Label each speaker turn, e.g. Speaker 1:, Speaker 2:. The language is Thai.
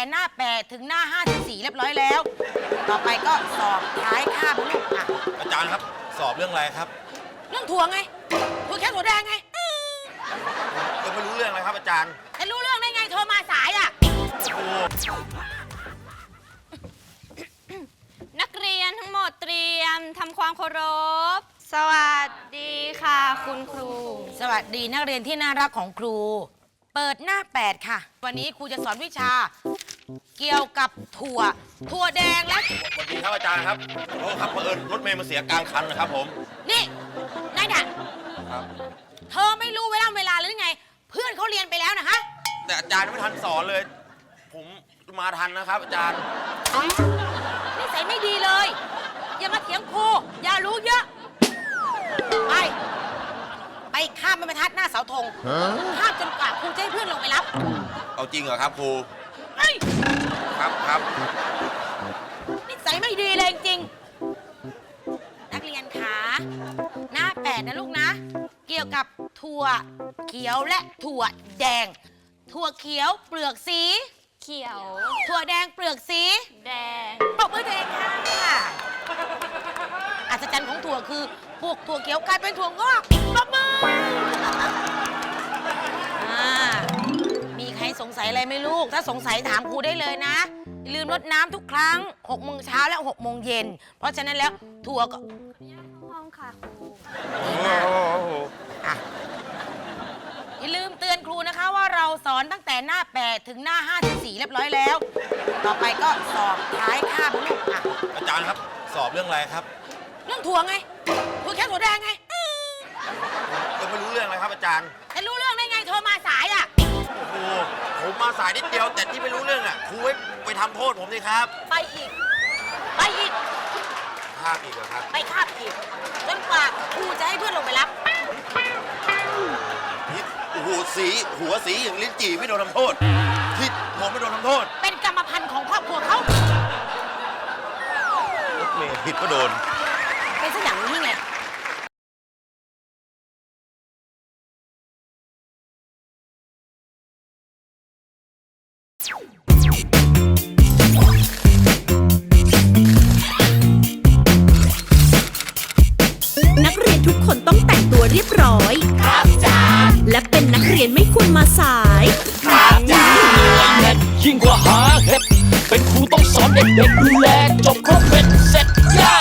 Speaker 1: หน้า8ถึงหน้า54เรียบร้อยแล้วต่อไปก็สอบท้ายคาบลูกอ่ะ
Speaker 2: อาจารย์ครับสอบเรื่องอะไรครับ
Speaker 1: เรื่องถั่วไงถั่วแค่ถั่วแดงไง
Speaker 2: ยังไม่รู้เรื่องเลยครับอาจารย์
Speaker 1: จะรู้เรื่องได้ไงโทรมาสายอ่ะ
Speaker 2: โอ้
Speaker 3: นักเรียนทั้งหมดเตรียมทำความเคารพสวัสดีค่ะคุณครู
Speaker 1: สวัสดีนักเรียนที่น่ารักของครูเปิดหน้า8ค่ะวันนี้ครูจะสอนวิชาเกี่ยวกับถั่วแดงและ
Speaker 2: สวัสดีครับอาจารย์ครับโอ้ครับเผอิญรถเมล์มาเสียกลางคันนะครับผม
Speaker 1: นี่นายด่ะ
Speaker 2: ครับ
Speaker 1: เธอไม่รู้เวลาหรือไงเพื่อนเขาเรียนไปแล้วนะฮะ
Speaker 2: แต่อาจารย์ไม่ทันสอนเลยผมมาทันนะครับอาจารย์
Speaker 1: นิสัยไม่ดีเลยอย่ามาเถียงครูอย่ารู้เยอะไปข้ามบรรทัดหน้าเสาธงข้ามจนกว่าครูจะให้เพื่อนลงไปรับ
Speaker 2: เอาจริงเหรอครับครูครับ
Speaker 1: นิสัยไม่ดีเลยจริงนักเรียนคะหน้า8นะลูกนะเกี่ยวกับถั่วเขียวและถั่วแดงถั่วเขียวเปลือกสี
Speaker 3: เขียว
Speaker 1: ถั่วแดงเปลือกสี
Speaker 3: แดง
Speaker 1: ปรบมือตัวเองค่ะอัศจรรย์ของถั่วคือพวกถั่วเขียวกลายเป็นถั่วงอกปรบมือมีใครสงสัยอะไรไหมลูกถ้าสงสัยถามครูได้เลยนะอย่าลืมรดน้ำทุกครั้ง6 โมงเช้าและ6 โมงเย็นเพราะฉะนั้นแล้วถั่วก็
Speaker 3: ห้องค่ะครู
Speaker 1: อย่าลืมเตือนครูนะคะว่าเราสอนตั้งแต่หน้า8ถึงหน้า54เรียบร้อยแล้วต่อไปก็สอบท้ายคาบลูกอ่ะ
Speaker 2: อาจารย์ครับสอบเรื่องอะไรครับ
Speaker 1: เรื่องถั่วไงถั่วแค่ถั่วแดงไง
Speaker 2: ยังไม่รู้เรื่องเลยครับอาจารย์
Speaker 1: จะรู้เรื่องได้ไงโทรมาสายอ่ะ
Speaker 2: โอ้โหผมมาสายนิดเดียวแต่ที่ไม่รู้เรื่องอ่ะครูไปทำโทษผมสิครับ
Speaker 1: ไปอีก
Speaker 2: คาบอีกเหรอครับ
Speaker 1: ไปคาบอีกจนกว่าครูจะให้เพื่อนลงไปรับ
Speaker 2: หัวสีอย่างลิ้นจี่ไม่โดนทำโทษที่ผมไม่โดนทำโทษ
Speaker 1: เป็นกรรมพันธุ์ของครอบครัวเขา
Speaker 2: รถเมล์ผิดก็โดน
Speaker 1: เป็นสักอย่างนี้ไง
Speaker 4: นักเรียนทุกคนต้องแต่งตัวเรียบร้อยครับจ้าและเป็นนักเรียนไม่ควรมาสาย
Speaker 5: ครับจ้าเน็ตยิ่งกว่าหาเห็ดเป็นครูต้องสอนเด็กๆดูแลจบครบเป็นเสร็จย่า